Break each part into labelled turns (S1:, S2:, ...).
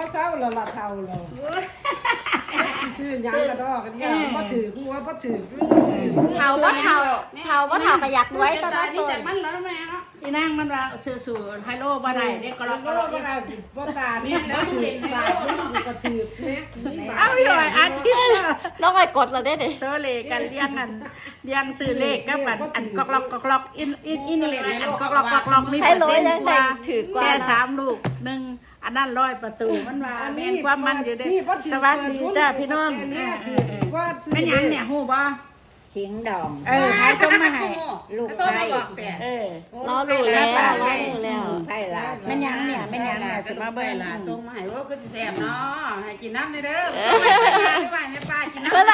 S1: เศร้าแล้วละเท่าแล้วซื้อยังกระดอกกันเนี่ยบ่ถือหัวบ่ถือ
S2: เท่าบ่เท่าก็อยากรวยตลอดตัว
S3: มันแล้วแม่เนาะ
S4: อีนั่งมันว่าซื้อไฮโลบ่ได้เด็กก็รอ
S1: ก็บ่ตาเนี่ยบ่ถือตาบ่ก็ถือเนี่ยนี่บา
S4: เอาอยู่อาทิตย์
S2: น้องไอ้กดเราได้ดิ
S4: โซเลกันเลี้ยงซื้อเลขกับอันกอกล็อกอินเลขอันกอกล็อกมีเปอร์เซ็นต์กว่าแค่3 ลูก1อันนั้น100 ประตูมันว่าแม่นความมันอยู่เด้สวัสดีจ้าพี่น้องแม่นหยังเนี่ยฮู้บ่
S5: ขิงดอง
S4: หายส่งมาให้
S5: ลูก
S3: ตัว
S5: ไผ่
S3: มาบอกแต่
S2: รอรู้แล้ว
S5: ไผ่ลา
S4: แม่นหยังเนี่ยสิมาเบิ่ง
S3: ล่ะส่งมาให้ว่าก็สิแซ่บเนาะให้กินน้ำได้เด้อไปแม่ป้ากินน้ำ
S2: เพื่อนละ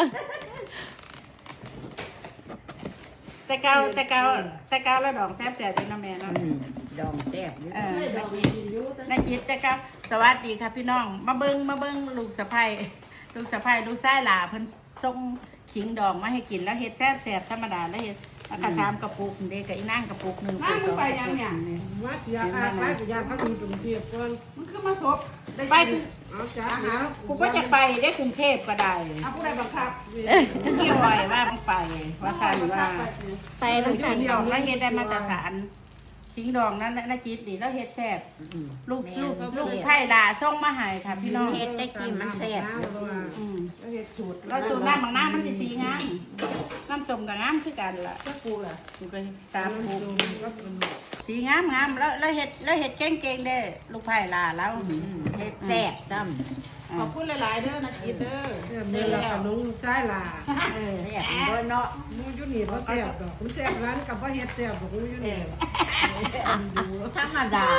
S4: แต่เก่าแล้วดอกแซ่บอยู่น้ำแม่เนาะ
S5: ดองแซ่บอยู่
S4: นายจิตแต่เก่าสวัสดีค่ะพี่น้องมาเบิ่งลูกสะใภ้ลูกชายหล่าเพิ่นส่งขิงดองมาให้กินแล้วเฮ็ดแซ่บธรรมดาแล้วเฮ็ดแล้วก็3 กระปุกเด็กกับอีนางกระปุก1
S3: น้ำมันไปยังเนี่ย
S1: ว่าเสียอาไปกับยาทั้งมีกรุงเทพก่อน
S3: มันคือมาทบ
S4: ไป
S1: เอาจ้าหา
S4: กูก็จะไปได้กรุงเทพก็ได้
S3: เอาผู้ใดบังคับ
S4: พี่อ้อยว่าต้องไปว่าซั่นว่า
S2: ไปน้ำกัน
S4: ขิงดองแล้วเฮ็ดได้มาตรฐานขิงดองนั้นนายจิตนี่แล้วเฮ็ดแซ่บลูกไผ่ลาส่งมาให้ค่ะพี่น้อง
S5: เฮ็ดได้กินมันแซ่บอยู่
S1: เฮ็ดสูตร
S4: แล้วสูตรน้ำบางน้ำมันสิสีงามน้ำส้มกับงามคือกันล่ะ
S1: ก็ปูล่ะ
S4: กูก็3 ปุกสีงามแล้วเฮ็ดเก่งๆเด้ลูกไผ่ลาแล้ว
S5: เฮ็ดแซ่บซ้
S3: ขอบคุณหลายๆเด้อนะกินเด้อ
S1: เมื่อเรากับน้องชายล่ะ
S5: ำแซ่บบ่เนาะ
S1: มูอยู่นี่บ่แซ่บดอกคุณแซ่บร้านกับบ่เฮ็ดแซ่บดอกมูอยู่นี่
S5: ธรรมดา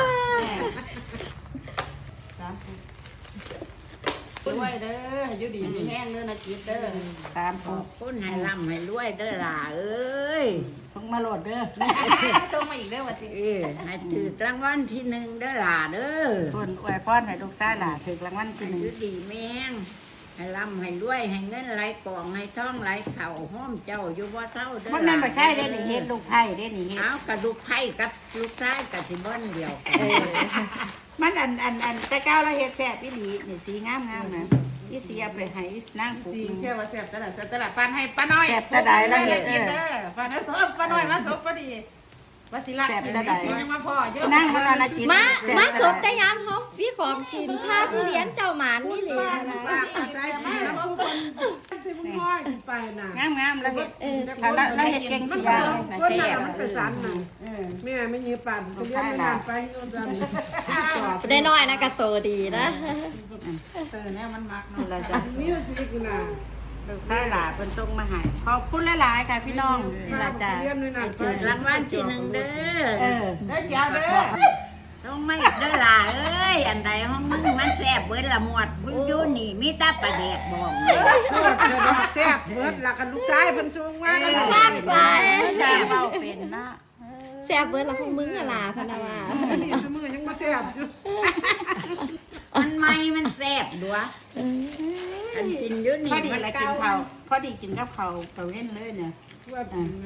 S3: ด้วยเด้ออยู่ดีมีแห้งเด้อนะกินเด้อ
S4: 3
S5: ข
S4: ปุ
S5: อก บคุณให้ร่ำให้รวยเด้อล่ะเอ้ย
S4: ต้องมาโหลดเด้อ
S3: ส่งมาอีกเด้อว่าสิ
S5: ให้ถือรางวัลที่1เด้อล่ะเด้อ
S4: เพิ่นอวยพรให้ลูกชายล่ะถูกรางวัลที่
S5: ให้อยู่ดีแม่งให้ร่ำให้รวยให้เงินไหลกองให้ทองไหลเข่าห้อมเจ้าอยู่บ่เท่าเด้อ
S4: 1มันนั่นบ่ใช่เด้นี่เฮ็ดลูกไผ่เด้นี่เฮ็ด
S5: เอากระดูกไผ่กับลูกชายกับสิบ่นเดียวกัน
S4: มันอันแต่เก่าแล้วเฮ็ดแซ่บอีหลีนี่สีงามๆนะอีสีเอาไปให้อีนางปุก
S3: สีแค่ว่าแซ่บตลาดปานให้ป้าน้อย
S4: แซ่บตะใดแล้วเฮ็ด
S3: กินเด้อป้าน้อยมาสบพอดีว่าสิรักกินได้สิยังมาพอเยอะ
S4: นางมันว่าน่ากิน
S2: มาสมแต่ยามเขาพี่ของกินข้าวทุเรียนเจ้าหมานนี่เลยนะ
S1: ป้าก็ใส่มาแล้วทุกคนที่มึงห้อยไปน่ะ
S4: งามๆแล้วเฮ็ดแล้วเฮ็ดเก่งสุดยอด
S1: คนน่ะมันไปสันน่ะแม่ไม่ยืปั่นไปเรียนงานไปโยนจัน
S2: ได้น้อยนะกระโตดีนะ
S3: เนี่ยมันมัก
S4: นี่
S3: เนาะ
S4: ล่ะจ้ะ
S1: มิวสิกน่ะ
S4: ลูกชายหลาเพิ่นส่งมาให้ขอบคุณหลายๆค่ะพี่น้องนี่ล่ะจ้ะ
S1: เรียนด้วยน่ะไป
S5: ถือรางวัลที่1เด้อ
S4: เออ
S3: เด้อเจ้าเด้อ
S5: ต้องไม่เด้อล่ะเอ้ยอันใดห้องมึงมันแซ่บเบิดละหมวดมึงอยู่นี่มีแต่ปลาแดกบ่อง
S1: โคตรจะดอกแซ่บเบิดล่ะกันลูกชายเพิ่นส่งมาก็
S2: แซ่บไป
S4: แซ่บเว้าเป็นเนาะ
S2: แซ่บเบิร์ดละพวกมึงอะล่ะพะนาว่า
S1: นี่ซุมื้อยังบ่แซ่บอยู่
S5: มันไม่มันแซ่บดัวอันกินอยู่นี่
S4: พอดี
S5: มัน
S4: อะไร
S5: เก่า
S4: กินข้าวพอดีกินกับข้าวตะเว้นเลยเนี่ย
S1: ว่า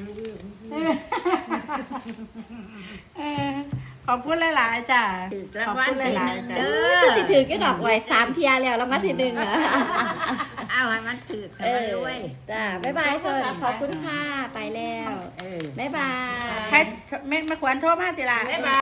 S4: ขอบคุณหลายๆจ้ะ
S5: ถือ
S4: ข
S5: ราง
S4: อบ
S5: วัล
S4: คุณห
S5: ที่
S4: ลาย
S5: 1
S4: ๆจ้ะ
S5: เด้
S2: ก็
S5: อ
S2: สิถือก็ดอกไว้3 เที่ยแล้วแล้วมาทีหนึ่งอะ
S5: เอาให้มันถือกันมาด้วย
S2: จ้าบ๊ายบายเซิร์ขอบคุณค่ะไปแล้ว
S5: เออ
S2: บ๊ายบาย
S4: ให้แม่ควรโทรมาติล่ะ
S3: บ๊ายบาย